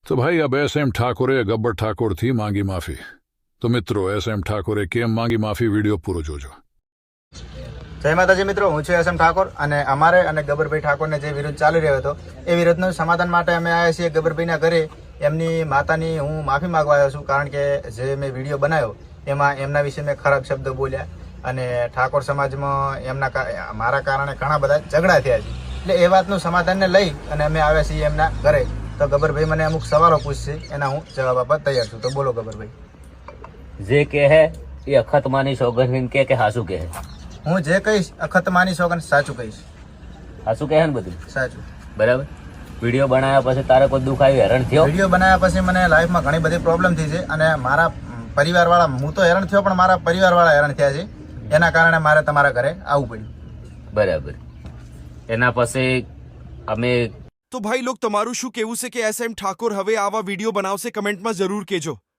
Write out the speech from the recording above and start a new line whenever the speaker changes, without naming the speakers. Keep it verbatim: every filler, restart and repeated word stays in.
तो भाई अब एस एम ઠાકોરે ગબ્બર ઠાકોરથી માંગી માફી. તો મિત્રો એસ એમ ઠાકોરે કેમ માંગી માફી વિડીયો પૂરો જોજો.
જય માતાજી મિત્રો, હું છું એસ એમ ઠાકોર અને અમારે અને ગબ્બરભાઈ ઠાકોરને જે વિરોધ ચાલી રહ્યો હતો એ વિરોધનું સમાધાન માટે અમે આવ્યા છીએ ગબ્બરભાઈના ઘરે. એમની માતાની હું માફી માંગવા આવ્યો છું, કારણ કે જે મેં વિડીયો બનાવ્યો એમાં એમના વિશે મેં ખરાબ શબ્દો બોલ્યા અને ઠાકોર સમાજમાં એમના મારા કારણે ઘણા બધા ઝઘડા થયા છે. એટલે એ વાતનું સમાધાનને લઈ અને અમે આવ્યા છીએ એમના ઘરે. તો ગબ્બરભાઈ મને અમુક સવાલો પૂછશે, એના હું જવાબ આપવા તૈયાર છું. તો બોલો ગબ્બરભાઈ.
જે કે હે એ અખત માની સોગંદ કે કે હાસુ કે
હું જે કહીશ અખત માની સોગંદ સાચું કહીશ.
હાસુ કે ને બધું
સાચું.
બરાબર. વિડીયો બનાવ્યા પછી તારે કોઈ દુઃખ આવ્યું, હેરાન થયો?
વિડીયો બનાવ્યા પછી મને લાઈફમાં ઘણી બધી પ્રોબ્લેમ થઈ છે અને મારા પરિવારવાળા, હું તો હેરાન થયો પણ મારા પરિવારવાળા હેરાન થયા છે. એના કારણે મારે તમારા ઘરે આવવું પડ્યું.
બરાબર. એના પછી અમે
તો ભાઈ લોક તમારું શું કહેવું છે કે એસ એમ ઠાકોર હવે આવા વિડીયો બનાવશે? કમેન્ટમાં જરૂર કહેજો.